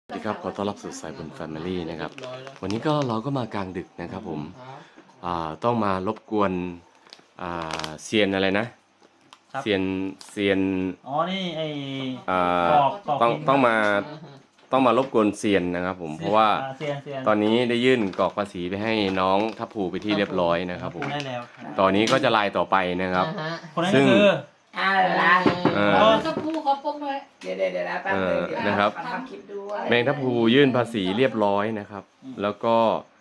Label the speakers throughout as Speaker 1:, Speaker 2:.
Speaker 1: สวัสดีครับขอต้อนรับสู่สายบุญแฟมิลี่นะครับวันนี้ก็เราก็มากลางดึกนะครับผมต้องมารบกวนเซียนอะไรนะเซียน
Speaker 2: อ๋อนี่ไอ้
Speaker 1: ต้องมารบกวนเซียนนะครับผมเพราะว่าตอนนี้ได้ยื่นกรอกภาษีไปให้น้องทัพภูไปที่เรียบร้อยนะครับผม
Speaker 2: ได้แล้ว
Speaker 1: ตอนนี้ก็จะลายต่อไปนะครับ
Speaker 2: คนนั้นก็คือ
Speaker 3: ทัพภูเขาปกเลย
Speaker 4: เดี๋ยวนะแป๊บนึงเดี๋ยว
Speaker 1: นะครับ
Speaker 4: ทำคลิปด้วย
Speaker 1: แมงทัพภูยื่นภาษีเรียบร้อยนะครับแล้วก็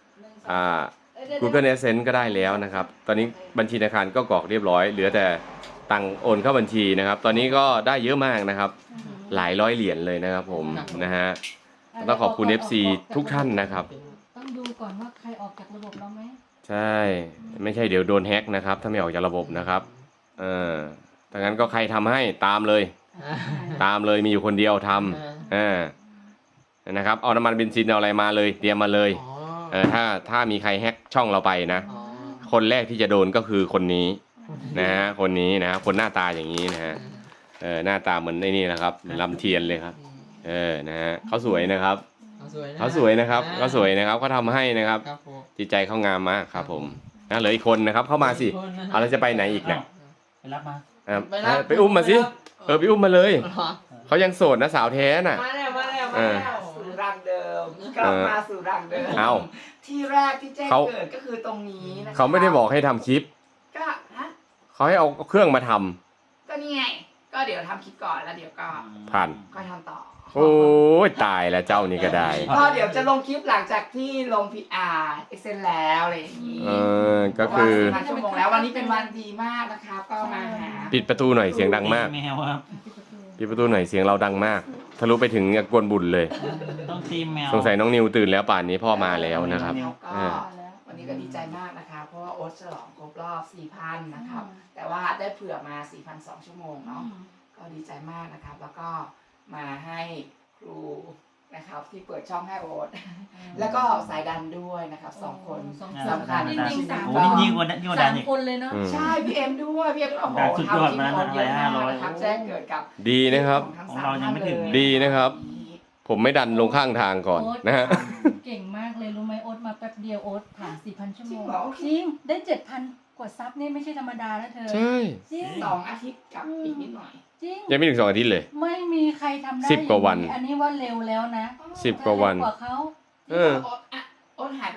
Speaker 1: Google Adsense ก็ได้แล้วนะครับตอนนี้บัญชีธนาคารก็กรอกเรียบร้อยเหลือแต่ตังโอนเข้าบัญชีนะครับตอนนี้ก็ได้เยอะมากนะครับหลายร้อยเหรียญเลยนะครับผมนะฮะต้องขอบคุณ FC ทุกท่านนะครับ
Speaker 3: ต้องดูก่อนว่าใครออกจากระบบเราไหม
Speaker 1: ใช่ไม่ใช่เดี๋ยวโดนแฮ็กนะครับถ้าไม่ออกจากระบบนะครับถ้างั้นก็ใครทำให้ตามเลยมีอยู่คนเดียวทำนะครับเอาน้ำมันเบนซินเอาอะไรมาเลยเตรียมมาเลยถ้ามีใครแฮ็กช่องเราไปนะคนแรกที่จะโดนก็คือคนนี้นะฮะคนนี้นะคนหน้าตาอย่างนี้นะฮะหน้าตาเหมือนไอ้นี่นะครับเหมือนลำเทียนเลยครับนะฮะเขาสวยนะครับเขาสวยนะครับเขาทำให้นะครับจิตใจเขางามมากครับผมนะเหลืออีกคนนะครับเข้ามาสิเราจะไปไหนอีกเนี่ย
Speaker 2: ไปรับมา
Speaker 1: ไปอุ้มมาสิไปอุ้มมาเลยเขายังโสดนะสาวแท้น่ะ
Speaker 4: มาแล้วสู่รังเดิมกลับมาสู่รังเดิมที่แรกที่แจ้งเกิดก็คือตรงนี้นะคะ
Speaker 1: เขาไม่ได้บอกให้ทำคลิป
Speaker 4: ก็
Speaker 1: เขาให้เอาเครื่องมาท
Speaker 4: ำก็นี่ไงก็เดี๋ยวทำคลิปก่อนแล้วเดี๋ยวก็
Speaker 1: ผ่าน
Speaker 4: ก็ทำต่อ
Speaker 1: โอ้ยตายแล้วเจ้านี่ก็ได้
Speaker 4: ก็เดี๋ยวจะลงคลิปหลังจากที่ลง PR Excel แล้วอะไรอย่างนี้
Speaker 1: ก็คือ
Speaker 4: 4,000 ชั่วโมงแล้ววันนี้เป็นวันดีมากนะคะก็มาหา
Speaker 1: ปิดประตูหน่อยเสียงดังมาก
Speaker 2: แมวครับ
Speaker 1: ปิดประตูหน่อยเสียงเราดังมากทะลุไปถึงกวนบุญเลย
Speaker 2: ต้องตีแมว
Speaker 1: สงสัยน้องนิวตื่นแล้วป่านนี้พ่อมาแล้วนะครับ
Speaker 4: วันนี้ก็ดีใจมากนะคะเพราะว่าโอ๊ตฉลองครบรอบ 4,000 นะครับแต่ว่าได้เผื่อมา 4,200 ชั่วโมงเนาะก็ดีใจมากนะครับแล้วก็มาให้ครูนะครับที่เปิดช่องให้โอ๊ตแล้วก็สายดันด้วยนะครับ2 คนสำคัญ
Speaker 2: จริงๆยิ่งกว่าดันอีก
Speaker 3: คนเลยเนาะ
Speaker 4: ใช่พี่เอ็มด้วยพี่เอ็มโอ้โหทำคลิปคนเยอะมากนะครับแจ้งเกิดกับ
Speaker 1: ดีนะครับ
Speaker 2: ของเรายังไม่ถึง
Speaker 1: ดีนะครับผมไม่ดันลงข้างทางก่อนนะฮะ
Speaker 3: เก่งมากเลยรู้ไหมโอ๊ตมาแป๊บเดียวโอ๊ตผ่าน 4,000 ชั่วโมงจริงได้ 7,000 กว่าซับนี่ไม่ใช่ธรรมดานะเธอ
Speaker 1: ใช่
Speaker 3: จริง
Speaker 4: 2 อาทิตย์กับอีกนิดหน่อย
Speaker 3: จริง
Speaker 1: ยังไม่ถึง2 อาทิตย์เลย
Speaker 3: ไม่มีใครทำได้
Speaker 1: 10 กว่าวัน
Speaker 3: อันนี้ว่าเร็วแล้วนะ
Speaker 1: 10 กว่าวัน
Speaker 3: กว่าเขา
Speaker 4: โอ๊ตหายไป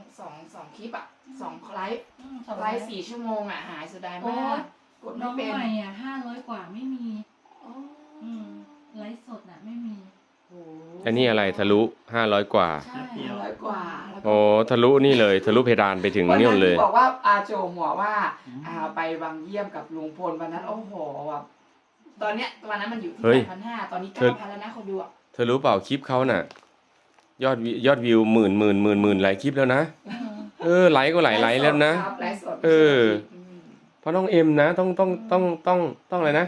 Speaker 4: 2 คลิปอ่ะ2 ไลฟ์4 ชั่วโมงอ่ะหายเสียดายมากกดไม่เป็น
Speaker 3: น้องใหม่อ่ะ500 กว่าไม่มีไลฟ์สดน่ะไม่มี
Speaker 1: อันนี้อะไรทะลุ500 กว่า
Speaker 4: 500 กว่า
Speaker 1: โอ้ทะลุนี่เลยทะลุเพดานไปถึงนี่เลย
Speaker 4: บอกว่าโจหัวว่าไปวังเยี่ยมกับลุงพลวันนั้นโอ้โหแบบตอนเนี้ยวันนั้นมันอยู่ที่ 8,500 ตอนนี้ 9,000 แล้วนะคนดูอ่ะ
Speaker 1: เธอรู้เปล่าคลิปเขาน่ะยอดวิวหมื่นหลายคลิปแล้วนะไลค์ก็หลายไลค์แล้วนะเพราะน้องเอ็มนะต้องอะไรนะ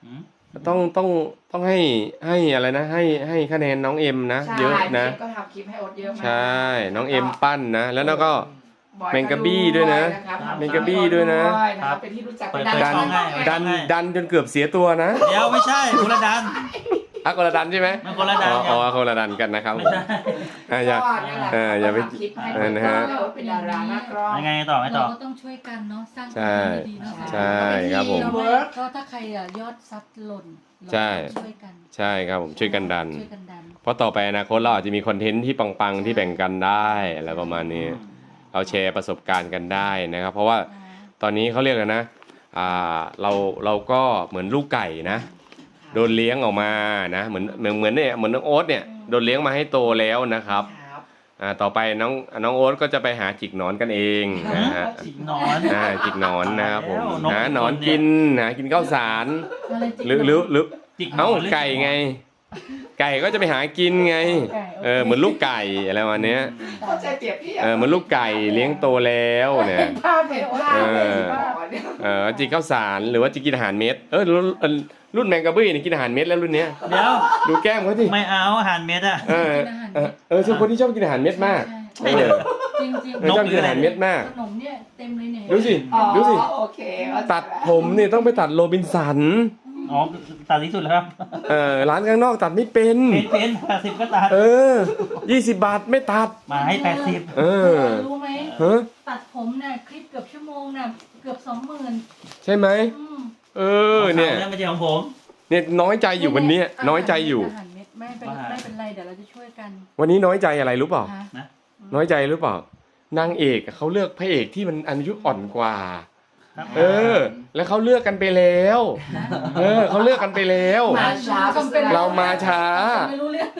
Speaker 1: ต้องให้อะไรนะให้คะแนนน้องเอ็มนะเยอะนะ
Speaker 4: ก็ทำคลิปให้โอ๊ตเยอะมาก
Speaker 1: ใช่น้องเอ็มปั้นนะแล้วก็แมงกะบี้ด้วยนะแมงกะบี้ด้วยนะ
Speaker 4: เป็นที่รู้จัก
Speaker 1: ดันจนเกือบเสียตัวนะ
Speaker 2: เดี๋ยวไม่ใช่คนละดัน
Speaker 1: คนละดันใช่ไหม
Speaker 2: คนละดัน
Speaker 1: คนละดันกันนะครับอย่าไป
Speaker 4: นะฮะเป็นดาราหน้ากล้อง
Speaker 2: ยังไงต่อ
Speaker 3: เราก็ต้องช่วยกันเนาะสร้างความดีเนาะ
Speaker 1: ใช่ครับผม
Speaker 3: ก็ถ้าใครยอดซับหล่น
Speaker 1: ใช่ใช่ครับผมช่วยกันดันเพราะต่อไปอนาคตเราอาจจะมีคอนเทนต์ที่ปังๆที่แบ่งกันได้อะไรประมาณนี้เราแชร์ประสบการณ์กันได้นะครับเพราะว่าตอนนี้เขาเรียกกันนะเราก็เหมือนลูกไก่นะโดนเลี้ยงออกมานะเหมือนเนี่ยเหมือนน้องโอ๊ตเนี่ยโดนเลี้ยงมาให้โตแล้วนะครับต่อไปน้องโอ๊ตก็จะไปหาจิกหนอนกันเองนะฮะ
Speaker 2: จิกหนอน
Speaker 1: นะครับผมหาหนอนกินข้าวสารหรือไก่ไงไก่ก็จะไปหากินไงเหมือนลูกไก่อะไรวันนี้เหมือนลูกไก่เลี้ยงโตแล้วเนี่ยจิกข้าวสารหรือว่าจะกินอาหารเม็ดรุ่นแมงกะบี้นี่กินอาหารเม็ดแล้วรุ่นเนี้ย
Speaker 2: เดี๋ยว
Speaker 1: ดูแก้มเขาสิ
Speaker 2: ไม่เอาอาหารเม็ดอ่ะ
Speaker 1: ส่วนคนที่ชอบกินอาหารเม็ดมาก
Speaker 3: จริง
Speaker 1: ชอบกินอาหารเม็ดมาก
Speaker 3: ขนมเนี่ยเต็มเลยเนี่ย
Speaker 1: ดูสิ
Speaker 4: โอเค
Speaker 1: ตัดผมเนี่ยต้องไปตัดโรบินสัน
Speaker 2: อ๋อตัดที่สุดแล้วครับ
Speaker 1: ร้านข้างนอกตัดไม่เป็น
Speaker 2: เป็น80ก็ตัด
Speaker 1: 20 บาทไม่ตัด
Speaker 2: มาให้80
Speaker 3: รู้ไหม
Speaker 1: ฮะ
Speaker 3: ตัดผมน่ะคลิปเกือบชั่วโมงน่ะเกือบ 20,000
Speaker 1: ใช่ไหมเนี่ย
Speaker 2: ไม่ใช่ของผม
Speaker 1: เนี่ยน้อยใจอยู่วันนี้น้อยใจอยู่
Speaker 3: อาหารเม็ดไม่เป็นไรเดี๋ยวเราจะช่วยกัน
Speaker 1: วันนี้น้อยใจอะไรรู้เปล่า
Speaker 3: ฮะ
Speaker 1: น้อยใจหรือเปล่านางเอกเขาเลือกพระเอกที่มันอายุอ่อนกว่า
Speaker 2: ครับ
Speaker 1: แล้วเขาเลือกกันไปแล้วเขาเลือกกันไปแล้ว
Speaker 4: มาช้า
Speaker 1: เรามาช้า
Speaker 3: ไม่รู้เรื่อง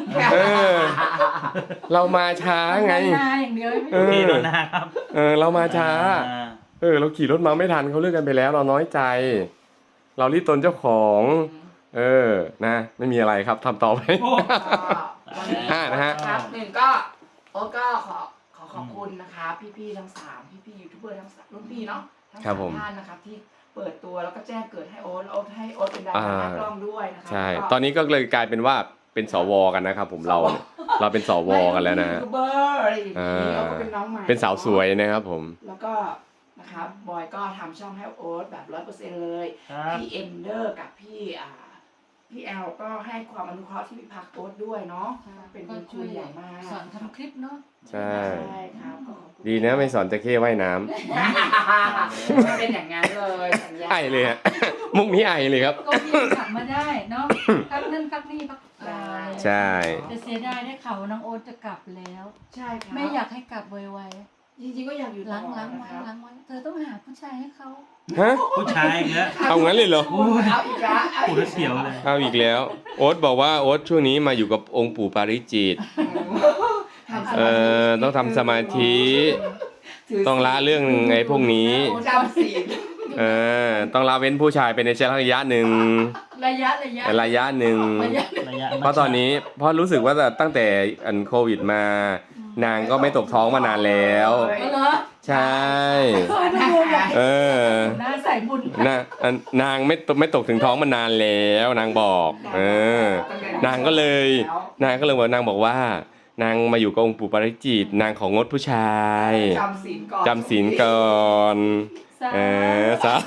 Speaker 1: เรามาช้าไง
Speaker 3: นาอย่างเดียว
Speaker 2: พี่โดนหน้าครับ
Speaker 1: เรามาช้า เราขี่รถมาไม่ทันเขาเลือกกันไปแล้ว เราน้อยใจ เรารีบตนเจ้าของ นะไม่มีอะไรครับทำต่อไป
Speaker 4: วันนี้
Speaker 1: นะฮะ
Speaker 4: ครับหนึ่งก็โอ๊ตก็ขอขอบคุณนะคะพี่ๆทั้ง3พี่ยูทูบเบอร์ทั้ง3รุ่นพี่เนาะทั้ง
Speaker 1: ครับผม
Speaker 4: 3ท่านนะครับที่เปิดตัวแล้วก็แจ้งเกิดให้โอ๊ตแล้วให้โอ๊ตเป็นดาราหน้ากล้องด้วยนะคะ
Speaker 1: ใช่
Speaker 4: แล้วก็
Speaker 1: ตอนนี้ก็เลยกลายเป็นว่าเป็นสวกันนะครับผมเราเป็นสวกันแล้วนะ
Speaker 4: ยูทูบเบอร์อะไรอย่างนี้แล้วก็เป็นน้องใหม่
Speaker 1: เป็นสาวสวยนะครับผม
Speaker 4: แล้วก็นะครับบอยก็ทำช่องให้โอ๊ตแบบ100%เลย
Speaker 2: ครับ
Speaker 4: พี่เอนเดอร์กับพี่แอลก็ให้ความอนุเคราะห์ที่พี่พักโอ๊ตด้วยเนาะเป็นบุญคุณใหญ่มาก
Speaker 3: สอนทำคลิปเนาะ
Speaker 1: ใช่
Speaker 4: ครับก็ขอบคุณ
Speaker 1: ดีนะไม่สอนจะเข้ว่ายน้ำ
Speaker 4: ไม่เป็นอย่างนั้นเลยสัญญา
Speaker 1: ไอเลยฮะ มุกนี้ไอเลยครับ
Speaker 3: ก็พี่กลับมาได้เนาะพักนั่นพักนี่พักอะไร
Speaker 1: ใช่
Speaker 3: แต่เสียดายได้ข่าวว่าน้องโอ๊ตจะกลับแล้ว
Speaker 4: ใช่ครับ
Speaker 3: ไม่อยากให้กลับไว
Speaker 4: จริงๆก็อยากอยู่
Speaker 3: ๆ
Speaker 4: ต่อ
Speaker 3: ล้างไว้
Speaker 4: นะครับ
Speaker 3: ล้างไว้เธอต้องหาผู้ชายให้เขา
Speaker 1: ฮะ
Speaker 2: ผู้ชายเงี้ย
Speaker 1: เอางั้นเลยเหรอ
Speaker 4: เอาอีกแล้ว
Speaker 2: ปวดเสียวเลย
Speaker 1: เอาอีกแล้ว โอ๊ตบอกว่าโอ๊ตช่วงนี้มาอยู่กับองค์ปู่ปาริจิต ต้องทำสมาธิ ต้องละเรื่องไอ้พวกนี้
Speaker 4: จำศีล
Speaker 1: ต้องละเว้นผู้ชายไปในระยะหนึ่ง
Speaker 3: ระยะ
Speaker 1: ระยะหนึ่ง
Speaker 2: ระยะ
Speaker 1: เพราะตอนนี้เพราะรู้สึกว่าตั้งแต่อันโควิดมา นางก็ไม่ตกท้องมานานแล้ว
Speaker 3: เหรอ
Speaker 1: ใช่
Speaker 3: เคยมาดูแบบ หน้าใส่บุญ
Speaker 1: นางไม่ตกถึงท้องมานานแล้วนางบอก นางก็เลยนางบอกว่า นางมาอยู่กับองค์ปู่ปาริจิตนางของงดผู้ชาย
Speaker 4: จำศีลก่อน
Speaker 1: จำศีลก่อน ซะ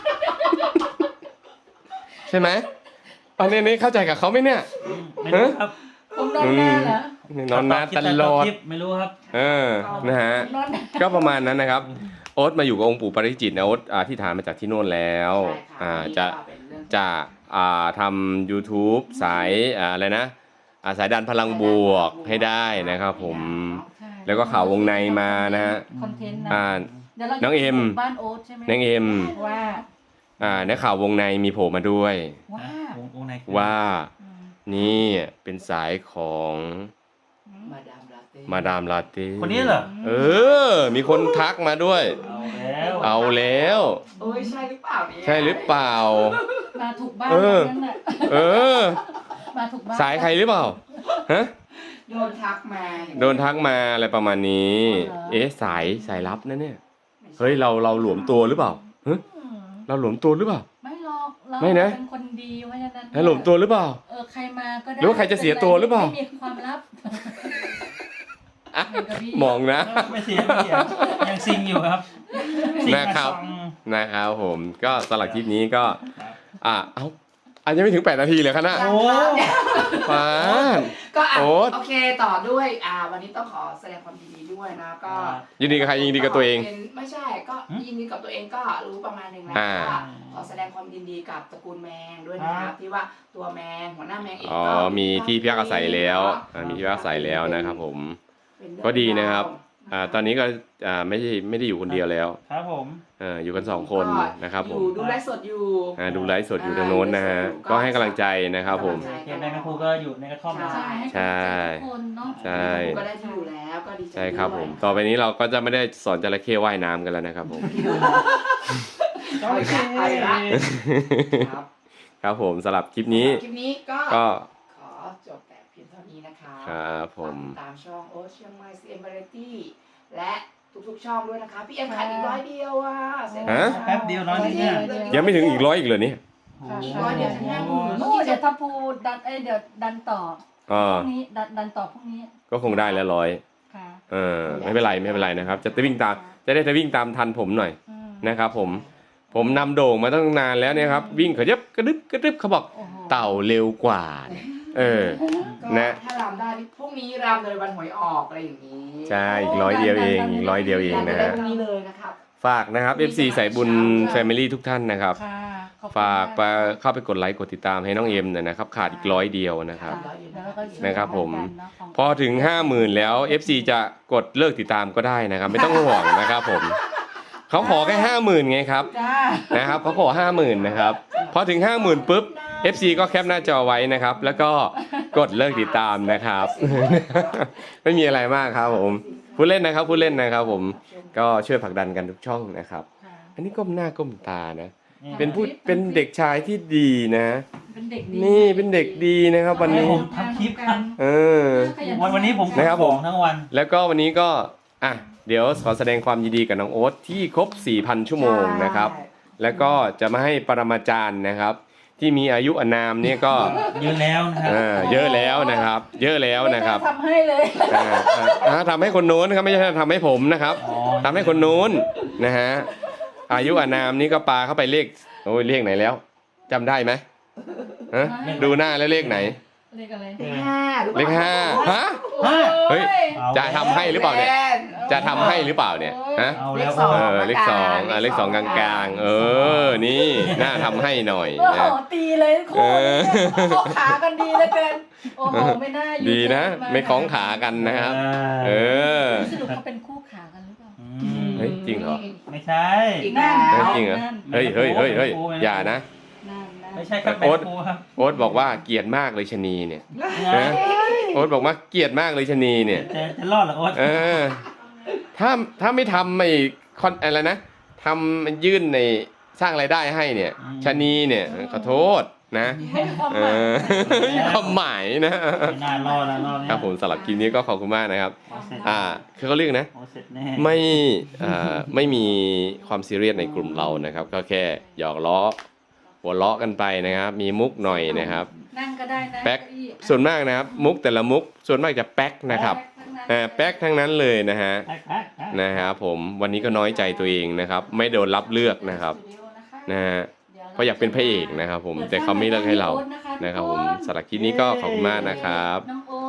Speaker 1: ใช่ไหมอันนี้เข้าใจกับเขาไหมเนี่ย
Speaker 2: ไม่รู้ครับ
Speaker 3: ผมนอนหน้าเหรอน
Speaker 1: อนหน้าตลอด
Speaker 2: ไม่รู้ครับ
Speaker 1: นะฮะ
Speaker 3: นอนหน้า
Speaker 1: ก็ประมาณนั้นนะครับ โอ๊ตมาอยู่กับองค์ปู่ปาริจิตนะโอ๊ตที่ฐานมาจากที่โน่นแล้วจะทำ YouTube สายอะไรนะสายดันพลังบวกให้ได้นะครับผม
Speaker 3: ใช่
Speaker 1: แล้วก็ข่าววงในมานะฮะ
Speaker 3: คอนเทนต์นะเดี๋ยวเราจะ
Speaker 1: น้องเอ็ม
Speaker 3: บ้านโอ๊ตใช่ไหม
Speaker 1: นางเอ็ม
Speaker 3: ว่า
Speaker 1: ในข่าววงในมีโผล่มาด้วย
Speaker 2: วงใน
Speaker 1: ว่า
Speaker 3: อืม
Speaker 1: นี่เป็นสายของ
Speaker 4: มาดามลาเต้
Speaker 1: มาดามลาเต้
Speaker 2: คนนี้เหรอ
Speaker 1: มีคนทักมาด้วย
Speaker 2: เอาแล้ว
Speaker 1: เอาแล้ว
Speaker 4: เอ้ยใช่หรือเปล่าเนี่ย
Speaker 1: ใช่หรือเปล่า
Speaker 3: มาถูกบ้าน
Speaker 1: เออ
Speaker 3: นั่นแหละ
Speaker 1: เออ
Speaker 3: มาถูกบ้าน
Speaker 1: สายใครหรือเปล่าฮะ
Speaker 4: โดนทักมา
Speaker 1: โดนทักมาอะไรประมาณนี้ สายลับนะเนี่ย เฮ้ยเราหลวมตัวหรือเปล่าฮะ
Speaker 3: อืม
Speaker 1: เราหลวมตัวหรือเปล่า
Speaker 3: ไม่หรอกเรา
Speaker 1: ไม่นะ
Speaker 3: เป็นคนดีเพราะฉะนั้น
Speaker 1: หลวมตัวหรือเปล่า
Speaker 3: ใครมาก็ได้
Speaker 1: หรือว่าใครจะเสียตัวหรือเปล่า
Speaker 3: ไม่มีความลับ
Speaker 1: อ่ะ
Speaker 3: เหมือนกับพี่
Speaker 1: มองนะ
Speaker 2: ไม่เสียยังซิงอยู่ครับ
Speaker 1: นะครับนะครับผมก็สำหรับคลิปนี้ก็ยังไม่ถึง8 นาทีเลยครับนะ
Speaker 2: โอ้
Speaker 1: ฟ้า
Speaker 4: ก็
Speaker 1: โอ๊ต
Speaker 4: โอเคต่อด้วยวันนี้ต้องขอแสดงความยินดีด้วยนะก็
Speaker 1: ยินดีกับใครยินดีกับตัวเอง
Speaker 4: ไม่ใช่ก็ยินดีกับตัวเองก็รู้ประมาณหนึงแล้ว
Speaker 1: อ่า
Speaker 4: ว่าขอแสดงความยินดีกับตระกูลแมงด้วยนะครับที่ว่าตัวแมงหัวหน้าแมงเองก็
Speaker 1: มีที่พักอาศัยแล้วมีที่พักอาศัยแล้วนะครับผม
Speaker 4: เป็นเรื่อง
Speaker 1: ก็ดีนะครับ
Speaker 4: ราว
Speaker 1: ตอนนี้ก็ไม่ได้อยู่คนเดียวแล้ว
Speaker 2: ครับผม
Speaker 1: อยู่กัน2 คนนะครับผม
Speaker 4: ดูไลฟ์สดอยู่
Speaker 1: ดูไลฟ์สดอยู่ทางโน้นนะฮะก็ให้กำลังใจนะครับผม
Speaker 2: เขตแมงกะพรูก็อยู่ในกระท่อมนะ
Speaker 3: ใช่ให้กำลังใจทุกคนเนาะ
Speaker 1: ใช่
Speaker 4: ก็ได้ที่อยู่แล้วก็ดีใจ
Speaker 1: ใช่ครับผม
Speaker 4: ด้วย
Speaker 1: ต่อไปนี้เราก็จะไม่ได้สอนจระเข้ว่ายน้ำกันแล้วนะครับผม
Speaker 2: โอเค
Speaker 4: ครับ
Speaker 1: ครับผมสำหรับคลิปนี้
Speaker 4: คลิปนี้ก็
Speaker 1: ก็
Speaker 4: ขอจบแต่เพียงเท่านี้นะคะ
Speaker 1: ครับผม
Speaker 4: ฝากติดตามช่องโอเชียงใหม่CM Variety และทุกๆช่องด้วยนะคะพี่เอ็มขาดอีก100 เดียวเสร็จ
Speaker 1: ฮะ
Speaker 2: แป๊บเดียวน้อยนิดเนี่ย
Speaker 1: ยังไม่ถึงอีก100อีกเลยเนี่ย
Speaker 4: 100 เดียวจะ50,000
Speaker 3: โอ้เดี๋ยวถ้าพูดเดี๋ยวดันต่อ
Speaker 1: อ๋อ
Speaker 3: พรุ่งนี้ดันต่อพรุ่งนี้
Speaker 1: ก็คงได้แล้ว100
Speaker 3: ค่ะ
Speaker 1: ไม่เป็นไรนะครับจะวิ่งตามจะวิ่งตามทันผมหน่อย
Speaker 3: อืม
Speaker 1: นะครับผมผมนำโด่งมาตั้งนานแล้วเนี่ยครับวิ่งกระดึบเขาบอก
Speaker 3: โอ้โห
Speaker 1: เต่าเร็วกว่าเนี่ย
Speaker 4: ก็
Speaker 1: นะ
Speaker 4: ถ้ารำได้พรุ่งนี้รำเลยวันหวยออกอะไรอย่างนี้
Speaker 1: ใช่อีก100 เดียวเองอีก100 เดียวเอง
Speaker 4: รำ
Speaker 1: นะ
Speaker 4: ได้
Speaker 1: ฮะ
Speaker 4: พรุ่งนี้เลยนะครับ
Speaker 1: ฝากนะครับ FC สายบุญ Family ทุกท่านนะครับ
Speaker 3: ค่ะขอบคุณ
Speaker 1: ฝาก
Speaker 3: ม
Speaker 1: เข้าไปกดไลค์กดติดตามให้น้องเอ็มหน่อยนะครับขาดอีก100 เดียวนะครับ
Speaker 3: ค่ะแล้วก็ช่วย
Speaker 1: นะครับผม
Speaker 3: กันเนาะของ
Speaker 1: พอถึง 50,000 แล้ว FC จะกดเลิกติดตามก็ได้นะครับ ไม่ต้องห่วงนะครับผมเขาขอแค่ 50,000 ไงครับ
Speaker 3: จ้า
Speaker 1: นะครับเขาขอ 50,000 นะครับพอถึง 50,000 ปุ๊บ FC ก็แคปหน้าจอไว้นะครับ แล้วก็กดเลิกติดตามนะครับ ไม่มีอะไรมากครับผมพูดเล่นนะครับพูดเล่นนะครับผมก็ช่วยผลักดันกันทุกช่องนะครับ
Speaker 3: ค่ะ
Speaker 1: อันนี้ก้มหน้าก้มตานะ
Speaker 2: นี่
Speaker 1: เป็นเด็กชายที่ดีนะ
Speaker 3: เป็นเด็กดี
Speaker 1: นี่เป็นเด็กดีนะครับวันนี้
Speaker 2: ผมทำคลิปครับ
Speaker 1: เออ
Speaker 2: วันนี้ผม
Speaker 1: นะครับผม
Speaker 2: ของทั้งวัน
Speaker 1: แล้วก็วันนี้ก็อ่ะเดี๋ยวขอแสดงความยินดีกับน้องโอ๊ตที่ครบ 4,000 ชั่วโมงนะครับ แล้วก็จะมาให้ปรมาจารย์นะครับ ที่มีอายุอานามเนี่ยก็
Speaker 2: เยอะแล้วนะครับ
Speaker 1: เยอะแล้วนะครับ เยอะแล้วนะครับ
Speaker 3: ไม่กล้าทำให้เลย
Speaker 1: ทำให้คนโน้นนะครับไม่ใช่ทำให้ผมนะครับ
Speaker 2: อ๋อ
Speaker 1: ทำให้คนโน้นนะฮะอายุอานามนี่ก็ปาเข้าไปเลขโอ้ยเลขไหนแล้วจำได้ไหมฮะดูหน้าแล้วเลขไหน
Speaker 3: เลขอะไร
Speaker 4: เลขห้า
Speaker 1: เลขห้าฮะ
Speaker 3: โอ้
Speaker 1: เฮ้ย
Speaker 2: เอา
Speaker 1: จะทำให้หรือเปล่าเนี่ย จะทำให้หรือเปล่าเนี่ยฮะ
Speaker 2: เอาแล้ว
Speaker 1: เลขสองเลขสองกลางๆ นี่น่าทำให้หน่อย
Speaker 3: โอ้โห
Speaker 1: นะ
Speaker 3: ตีเลยคู่นี้เข้าขากันดีเหลือเกินโอ้โหไม่น่าอยู่
Speaker 1: ดีนะ
Speaker 3: มา
Speaker 1: ไม่คล้องขากันนะครับ เออ
Speaker 3: สรุปเขาเป็นคู่ขากันหรือเปล่า
Speaker 2: อืม
Speaker 1: เฮ้ยจริงเหรอ
Speaker 2: ไม่ใช่
Speaker 4: อีกแล้ว
Speaker 1: จริงเหรอ เฮ้ยอย่านะ
Speaker 3: นั่น
Speaker 2: ไม่ใช่ครับ
Speaker 1: โอ๊ต
Speaker 2: แม่ครูครับ
Speaker 1: โอ๊ตบอกว่าเกลียดมากเลยชะนีเนี่ย
Speaker 2: นะ
Speaker 1: โอ๊ตบอกว่าเกลียดมากเลยชะนีเนี่ย
Speaker 2: จะรอดเหรอโอ๊ต
Speaker 1: เออ ถ้าไม่ทำไม่อะไรนะทำยื่นในสร้างรายได้ให้เนี่ยชะนีเนี่ยขอโทษนะ เออความหมายนะ
Speaker 2: ไม่น่ารอดแล้วรอบเนี้ย
Speaker 1: ครับผมสำหรับคลิปนี้ก็ขอบคุณมากนะครับ
Speaker 2: โอ๊ตเสร็จ
Speaker 1: คือเขาเรียกนะ
Speaker 2: โอ๊ตเสร็จแน่
Speaker 1: ไม่มีความซีเรียสในกลุ่มเรานะครับ ก็แค่หยอกล้อหัวเราะกันไปนะครับ มีมุกหน่อยนะครับ
Speaker 3: นั่งก็ได้นะ
Speaker 1: แป๊ก
Speaker 3: เก้าอี้
Speaker 1: ส่วนมากนะครับ มุกแต่ละมุกส่วนมากจะแป๊กนะครับ
Speaker 3: แป๊กทั้งนั้น
Speaker 1: แป๊กทั้งนั้นเลยนะฮะ
Speaker 2: แป๊ก
Speaker 1: นะครับผมวันนี้ก็น้อยใจตัวเองนะครับ ไม่โดนรับเลือกนะครับนะฮะเพราะอยากเป็นพระเอกนะครับผมแต่เขาไม่เลือกให้เรานะครับผมสำหรับคลิปนี้ก็ขอบคุณมากนะครับ
Speaker 3: น้อง